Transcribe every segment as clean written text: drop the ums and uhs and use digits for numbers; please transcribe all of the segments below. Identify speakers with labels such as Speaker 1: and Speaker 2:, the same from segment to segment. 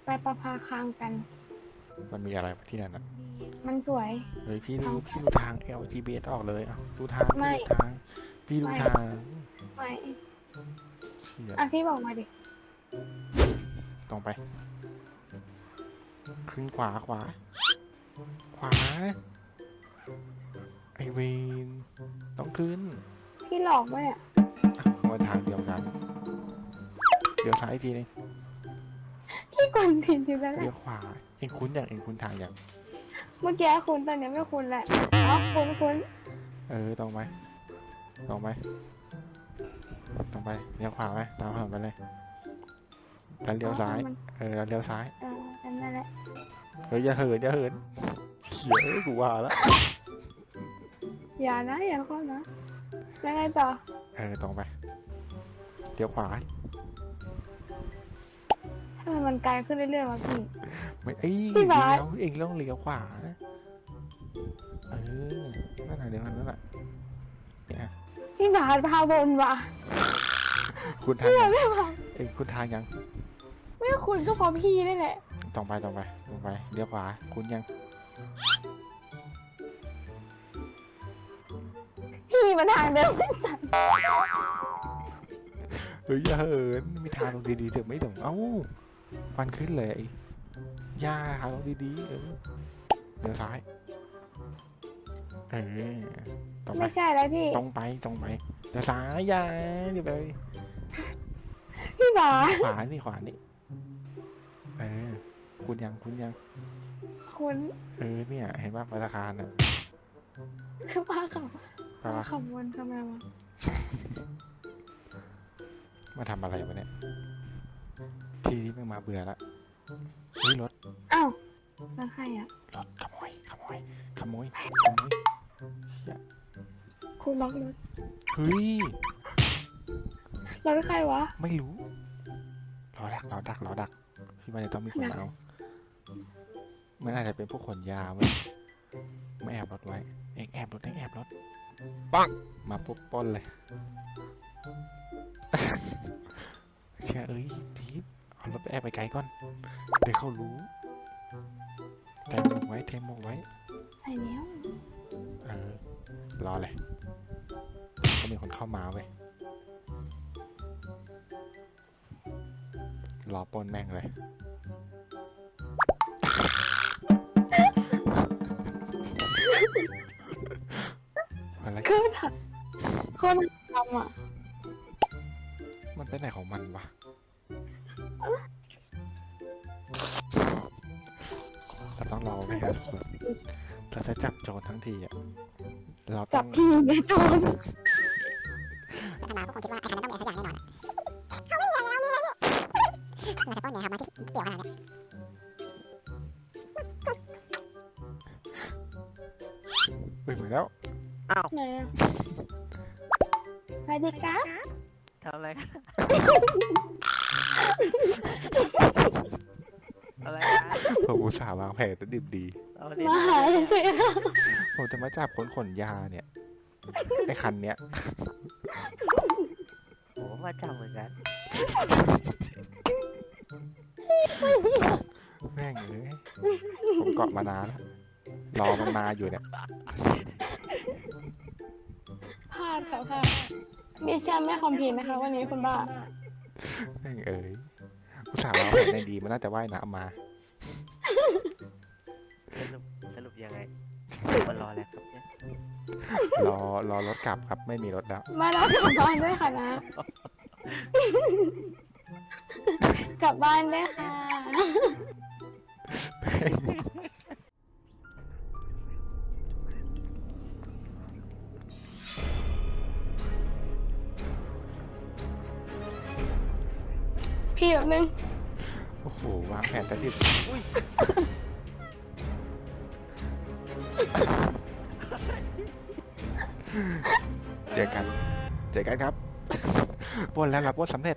Speaker 1: ไปประภาคางกัน
Speaker 2: มันมีอะไรที่นั่นอ่ะ
Speaker 1: มันสวย
Speaker 2: เฮ้ยพี่ดูทาง LGBS ออกเลยอ่ะดูทาง
Speaker 1: ไม่
Speaker 2: พี่ดู
Speaker 1: ไม่
Speaker 2: ทาง
Speaker 1: ไม่
Speaker 2: เชี่ย
Speaker 1: อ่ะพี่บอกมาดิ
Speaker 2: ตรงไปขึ้นขวาขวาไอเวนต้องขึ้น
Speaker 1: พี่หลอกวะเนี่ย
Speaker 2: มาทางเดียวกันเดี๋ยวซ้ายอีกทีนึง
Speaker 1: พี่กวนทีทีแล้วแห
Speaker 2: เลี้ย
Speaker 1: ละ
Speaker 2: วขวาเองคุ้นอย่างเองคุ้นทางอย่าง
Speaker 1: เมื่อกี้คุณตอนนี้ไม่คุณแหละอ๋อคุณ
Speaker 2: ตรงไปตรงไปเลี้ยวขวาไหมตามถนนไปเลยแล้วเลี้ยวซ้ายแล้วเลี้ยวซ้าย
Speaker 1: นั่นแหละ
Speaker 2: เฮ้ยอย่าเหินเขียกูว่าแล้ว
Speaker 1: อย่านะอย่าเข้านะยังไงต่อ
Speaker 2: ตรงไปเลี้ยวขวา
Speaker 1: ทำไมมันไกลขึ้นเรื่อยๆวะพี่
Speaker 2: ไม่
Speaker 1: พี่บาส
Speaker 2: เองต้องเลี้ยวขวานั่นแหละเดี๋ยวนั่นแหละเนี่ย
Speaker 1: พี่บาสพาบนว่ะ
Speaker 2: คุณทาง
Speaker 1: พี่
Speaker 2: ยัง
Speaker 1: ไม่พา
Speaker 2: เองคุณทางยัง
Speaker 1: ไม่คุณก็เพราะพี่นี่แหละ
Speaker 2: ตรงไปเลี้ยวขวาคุณยัง
Speaker 1: พี่มาทางเดิมไม่สั่น
Speaker 2: เฮ้ยอย่าเหินมีทางตรงดีๆถึงไม่ถึงฟันขึ้นเลยย่าทางตรงดีๆเลี้ยวซ้ายตรงไป
Speaker 1: ไม่ใช่แล้วพี่
Speaker 2: ตรงไปเดี๋ยวซ้ายอย่าเดี๋ยวไป
Speaker 1: พี่บาส
Speaker 2: ขวานี่คุณยัง
Speaker 1: คุณ
Speaker 2: เนี่ยเห็นว่าธนาคารน่ะ
Speaker 1: คือพาขับ
Speaker 2: ไปวะ
Speaker 1: ขับวนทำไมวะ
Speaker 2: มาทำอะไรวะเนี่ยทีนี้มึงมาเบื่อละเฮ้ยรถ
Speaker 1: อ้าวแล้วใครอ่ะ
Speaker 2: รถขโมยเหี้ย
Speaker 1: คุณล็อกรถ
Speaker 2: เฮ้ย
Speaker 1: รถใครวะ
Speaker 2: ไม่รู้รอดักพี่ว่าจะต้องมีคนเอามันอาจจะเป็นพวกขนยาเว้ยไม่แอบรถไว้เองแอบรถปังมาปุ๊บปล้นเลย เชื่อทีบเอารถไปแอบไปไกลก่อนเดี๋ยวเขารู้เทมหมกไว้
Speaker 1: ไปแล้ว
Speaker 2: รอเลยก็มีคนเข้ามาเว้ยรอปล้นแม่งเลยอะไร
Speaker 1: คือถักคนทำอ่ะ
Speaker 2: มันไปไหนของมันวะเราต้องรอไหมครับเราจะจับโจรทั้งทีอ่ะเราต้
Speaker 1: จั
Speaker 2: อบ ง
Speaker 1: พี่ไงโจร
Speaker 3: ธรรมดาก็คงคิดว่าไอ้คันนั้นต้องมีอะไรสักอย่างแน่นอนเขาไม่มีอะไรแล้วมีอะไรนี่เราจะป้อนเนี่ยครับมาที่เปี่ยวขนาดเนี้ย
Speaker 2: เหมือนแล้ว
Speaker 1: ไหนอ่ะสวัสดีครับ
Speaker 4: ทำอะไรกัน อะไรกัน
Speaker 2: ผมอุตส่าห์วางแผนแต่ดิบดี
Speaker 4: เอาดิ
Speaker 1: มาหาเฉย
Speaker 2: ผมจะมาจับคนขนยาเนี่ยไอ้คันเนี้ย
Speaker 4: โอ้มาจับเหมือนกัน
Speaker 2: แม่งผมเกาะมานานแล้วรอมันมาอยู่เนี่ย
Speaker 1: พลาดค่ะพลาดมิชชั่นไม่คอมพลีทนะคะ วันนี้คุณบ้า
Speaker 2: แม่งอุตส่าห์วางแผนในดีมันน่าจะว่ายน้ำมา
Speaker 4: สรุปยังไงมารอแล้วครับเนี่ย
Speaker 2: รอรถกลับครับไม่มีรถแล้ว
Speaker 1: มาแล้วกลับบ้านด้วยค่ะนะ กลับบ้านด้วยค่ะ พี่แบบนึง
Speaker 2: โอ้โหวางแผนแต่ดิบเจอกันครับปล้นแล้วรับปล้นสำเร็จ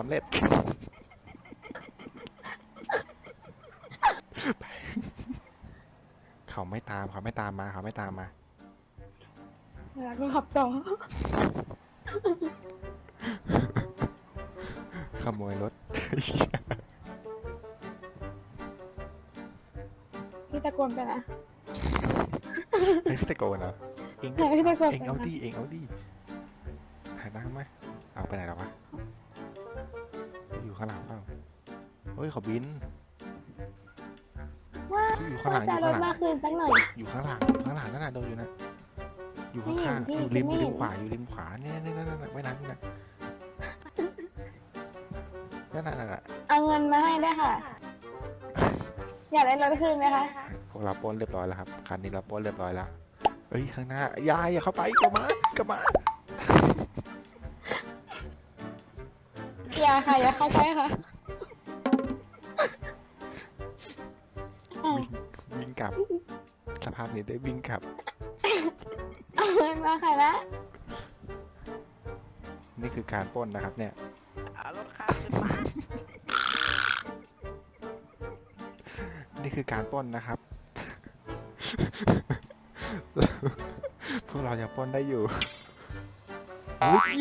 Speaker 2: เขาไม่ตามมา
Speaker 1: แล้วก็ขับต่อ
Speaker 2: ขโมยรถ
Speaker 1: ตะโกนไปนะ
Speaker 2: เฮ้ยพี่ตะโกนเหรอเอง
Speaker 1: ไหนพี่ตะโกน
Speaker 2: เอง
Speaker 1: ไป
Speaker 2: เอา
Speaker 1: นะ
Speaker 2: ดิเองเอาดิหายนั่งไหมเอาไปไหนแล้ววะอยู่ข้างหลังเปล่าเฮ้ยเขาบิน
Speaker 1: ว่า
Speaker 2: อยู่ข้างหลังอ
Speaker 1: จะ
Speaker 2: ยู่
Speaker 1: ร
Speaker 2: ข้างหลัง
Speaker 1: ถมาคืนสักหน่อย
Speaker 2: อยู่ข้างหลังนั่นน่ะโดนอยู่นะอยู่
Speaker 1: ไม่
Speaker 2: ข้าง
Speaker 1: เห็น
Speaker 2: ๆอยู่
Speaker 1: พี่
Speaker 2: ริม
Speaker 1: ไม่
Speaker 2: ริ
Speaker 1: เห็
Speaker 2: ม
Speaker 1: น
Speaker 2: ขวาอยู่ริมขวาเนี่ยนั่นไว้น้ำนี่นะนั่นน่ะ
Speaker 1: เอาเงินมาให้ได้วยค่ะ อยากได้รถคืนไหมคะ
Speaker 2: พวกเราปล้นเรียบร้อยแล้วครับคันนี้เราปล้นเรียบร้อยแล้วเฮ้ยข้างหน้ายายอย่าเข้าไปกลับมากลับมา
Speaker 1: อย่าค่ะอย่าเข้าใกล้ค่ะอ้าว
Speaker 2: วิ่งกลับสภาพนี้ได้วิ่งกลับ
Speaker 1: เอาเงินมาค่ะนะ
Speaker 2: นี่คือการปล้นนะครับเนี่ย
Speaker 4: เอารถข้ามขึ้นมา
Speaker 2: นี่คือการปล้นนะครับ พวกเรายังปล้นได้อยู่โอ้ย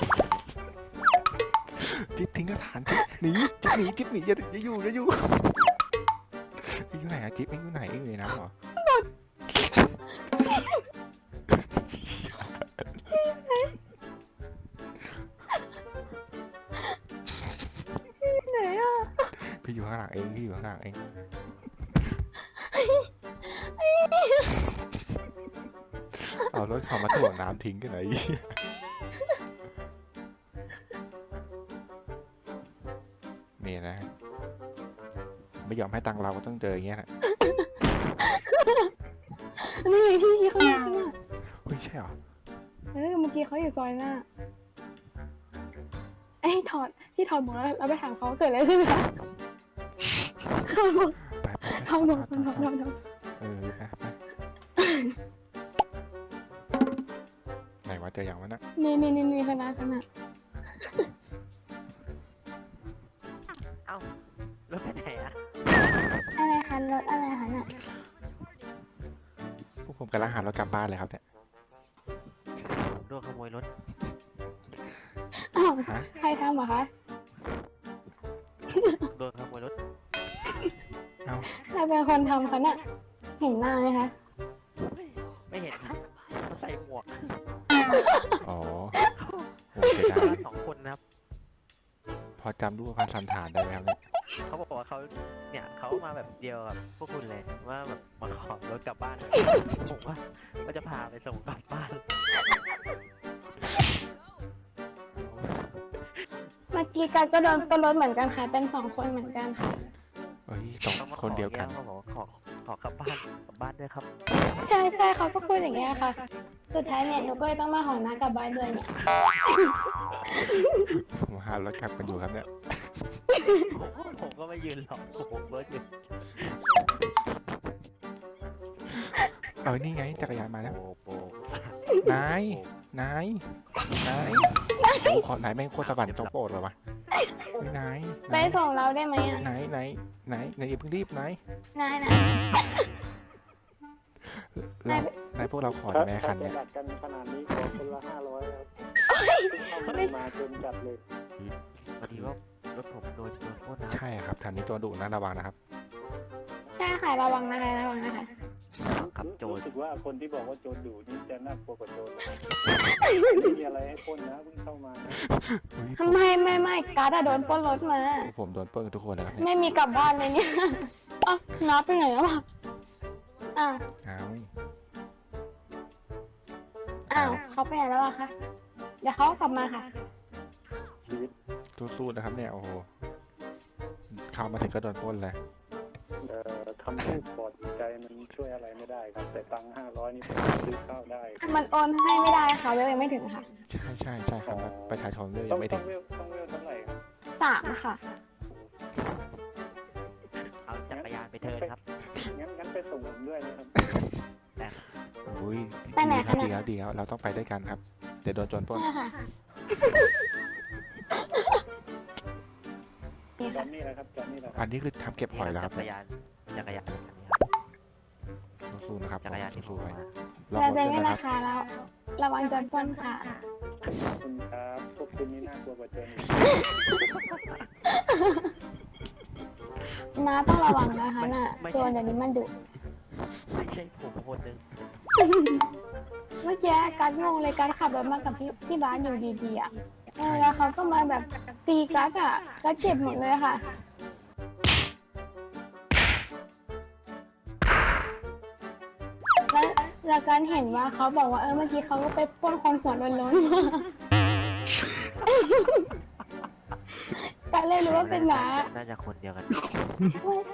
Speaker 2: จิ๊บทิ้งกระถานหนีจิ๊บหนีอย่าอยู่อยู่ไหนอะจิ๊บเอ็งอยู่ไหนเอ็งอยู่ในน้ำเหรอ
Speaker 1: ไหนอ่ะ
Speaker 2: พี่อยู่ข้างหลังเองพี่อยู่ข้างหลังเองเอารถเขามาถ่วงน้ำทิ้งกันไหนนี่นะไม่ยอมให้ตังค์เราก็ต้องเจออย่างเงี้ยนะ
Speaker 1: นี่ไงพี่เขาอยู่ข้างหน้า
Speaker 2: เฮ้ยใช่เหรอ
Speaker 1: เมื่อกี้เขาอยู่ซอยหน้าเอ้ยพี่ถอดหมวกแล้วเราไปถามเขาเกิดอะไรขึ้นคะถอดหมวก
Speaker 2: ไป
Speaker 1: ถอดหมวกถอด
Speaker 2: เออไปไหนวะเจออย่างวะนะ
Speaker 1: นี่ข้างหน้า
Speaker 4: เอ้ารถไปไหนอะ
Speaker 1: อะไรคะรถอะไรคะน่ะ
Speaker 2: พวกผมกำลังหารถกลับบ้านเลยครับเนี่ย
Speaker 4: ผมโดนขโมยรถ
Speaker 1: อ้าว
Speaker 2: ฮะ
Speaker 1: ใครทำเหรอคะ
Speaker 4: โดนขโมยรถ
Speaker 2: เอา
Speaker 1: ใครเป็นคนทำคะน่ะเห็นหน้าไหมคะ
Speaker 4: ไม่เห็นครับเขาใส่หมวก
Speaker 2: อ๋อโอเคได้
Speaker 4: มาสองคนนะครับ
Speaker 2: พอจำรูปพันธ์สันฐานได้ไหมครับเนี่ย
Speaker 4: เขาบอกว่าเขาเนี่ยเขามาแบบเดียวกับพวกคุณเลยว่าแบบมาขอรถกลับบ้านผมว่าจะพาไปส่งกลับบ้าน
Speaker 1: เมื่อกี้กันก็โดนปล้นรถเหมือนกันค่ะ เป็น2 คนเหมือนกันค่ะ
Speaker 2: เฮ้ยสอง
Speaker 4: เขามาข
Speaker 2: คนเดียวกัน
Speaker 4: เขาบอกว่าขอกลับบ้านด้วยครับ
Speaker 1: ใช่เขาก็พูดอย่างเงี้ยค่ะ สุดท้ายเนี่ยหนูก็เลยต้องมาหอน้ากลับบ้านด้วยเนี่ย
Speaker 2: ผมหารถกลับกันอยู่ครับเนี่ย
Speaker 4: ผมก็ไม่ยืนหรอกผมรถอยู่
Speaker 2: เอานี่ไงจักรยานมาแล้ว
Speaker 4: โป
Speaker 2: นายโอ้ขอนายแม่งโคตรสวรรค์โจโปรดเลยวะนาย
Speaker 1: ไปส่งเราได้ไหมอ่ะ
Speaker 2: ไหนอย่าเพิ่งรีบนาย
Speaker 1: นาย
Speaker 2: นายพวกเราขอแม่คันเนี่ย
Speaker 5: ดัดกันขนาดนี้ขอคนละ500ครับเข้ามาจนจัดเลย
Speaker 4: พอดีว่ารถผมโดนปล้นนะ
Speaker 2: ใช่ครับแถวนี้ตัวดุนะระวังนะครับ
Speaker 1: ใช่ค่ะระวังนะคะ
Speaker 4: กับโจร
Speaker 5: รู้สึกว่าคนที่บอกว่าโจรดุนี่จะน่ากลัวกว่าโจรไม่มีอะไรให้ปล้นนะเพิ่งเข้ามานะ
Speaker 1: ทำไมไม่การ์ดอะโดนปล้นรถมา
Speaker 2: ผมโดนปล้นกันทุกคนเลยครับเนี่ย
Speaker 1: ไม่มีกลับบ้านเลยเนี่ยอ้าวน้าไปไหนแล้วอ่ะอ้าว เขาไปไหนแล้วอะคะ เดี๋ยวเขากลับมาค่ะ
Speaker 5: ชีวิต
Speaker 2: สู้ๆนะครับเนี่ยโอ้โหเข้ามาถึงก็โดนปล้นเลย
Speaker 5: คำพูดปลอบใจมันช่วยอะไรไม่ได้ครับ แต่ตังค์500นี่ผมซื้อข้าวได้
Speaker 1: มันโอนให้ไม่ได้ค่ะเวลยังไม่ถึงค่ะ
Speaker 2: ใช่ครับประชาชนก็
Speaker 5: ต้
Speaker 2: ยั
Speaker 5: อง
Speaker 2: งไม่
Speaker 5: ต้
Speaker 2: ถึ
Speaker 5: อง
Speaker 2: ง
Speaker 5: เวลเท่าไหร่ครับ
Speaker 1: 3 ค่ะ
Speaker 4: เอาจักรยานไปเทิร์นครับ
Speaker 5: งั้นไปส่งผมด้วยนะครับ
Speaker 2: อุ้ย
Speaker 1: ไปไหนคะ
Speaker 2: ดีแล้วเราต้องไปด้วยกันครับเดี๋ยวโดนโจรปล้น
Speaker 1: ใช่ค่ะนี่
Speaker 5: จอ
Speaker 1: ค่ะ
Speaker 5: นนี่แหละครับจอนนี่แหละค
Speaker 2: อั
Speaker 5: รับ
Speaker 2: นนี้คือทำเก็บหอยแล้วครับ
Speaker 4: จักรยานคันนี้ครับ
Speaker 2: สู้ๆนะครับ
Speaker 4: จักรยานที่ผ
Speaker 2: สู้
Speaker 4: ม
Speaker 2: ๆไป
Speaker 4: มา
Speaker 2: รอ
Speaker 1: เรา
Speaker 2: รถ
Speaker 1: จะ
Speaker 2: ด้วย
Speaker 1: ไม่
Speaker 2: นะ
Speaker 1: รา
Speaker 2: ครับ
Speaker 1: คาแล้วระวังโจรปล้นค่ะ
Speaker 5: ขอบคุณครับพวกคุณนี่น่ากลัวกว่าโจรอีก
Speaker 1: น้าต้องระวังนะคะน่ะโจรเดี๋ยวนี้มันดุ
Speaker 4: ไม่ใช่ผมคนหนึ่ง
Speaker 1: เมื่อกี้การดงงเลยการดขับรถมากับพี่บ้านอยู่ดีๆอ่ะแล้วเขาก็มาแบบตีการ์ดอ่ะการดเจ็บหมดเลยค่ะแล้วการเห็นว่าเขาบอกว่าเมื่อกี้เขาก็ไปปล้นคนหัวโล้นๆมาการเลยรู้ว่าเป็นน้า
Speaker 4: น่าจะคนเดียวกัน
Speaker 1: ไม่ใช่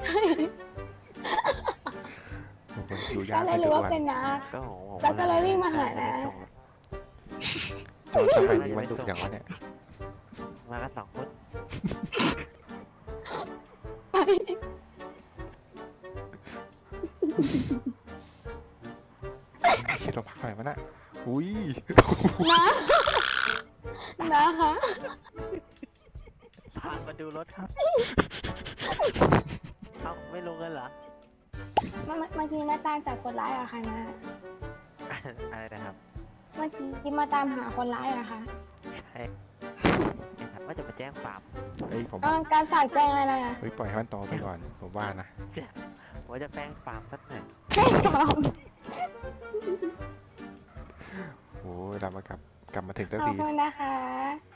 Speaker 2: บางคนอยู่ยา
Speaker 1: การ
Speaker 2: ก
Speaker 1: เลยรู้ว่าเป็นน้า
Speaker 4: ก็ของผม
Speaker 1: แล้วก็เลยวิ่งมาหานะ
Speaker 2: ตอนสมัยนี้มันดุอย่างวะเนี่ย
Speaker 4: มากัน2 คน
Speaker 2: คิดเราพักหน่อยมันอะอุ้ย
Speaker 1: นะคะ
Speaker 4: พามาดูรถครับ เอ้าไม่ลงกันเหรอ
Speaker 1: เมื่อกี้มาตามจับคนร้ายอะค่ะนะ
Speaker 4: อะไรนะครับ
Speaker 1: เมื่อกี้มาตามหาคนร้ายอะค่ะ
Speaker 4: ใช่ครับว่าจะมาแจ้งความ
Speaker 2: เฮ้ยผม
Speaker 1: การฝากแจ้งอะไรนะ
Speaker 2: เฮ้ยปล่อยให้มันโตไปก่อนผมว่านะ
Speaker 4: ว่าจะแจ้งความสักหน่อย
Speaker 1: แจ้งความ
Speaker 2: โอ้ยเรามากลับมาถึงสัก
Speaker 1: ขอบ
Speaker 2: ที
Speaker 1: คุณนะคะ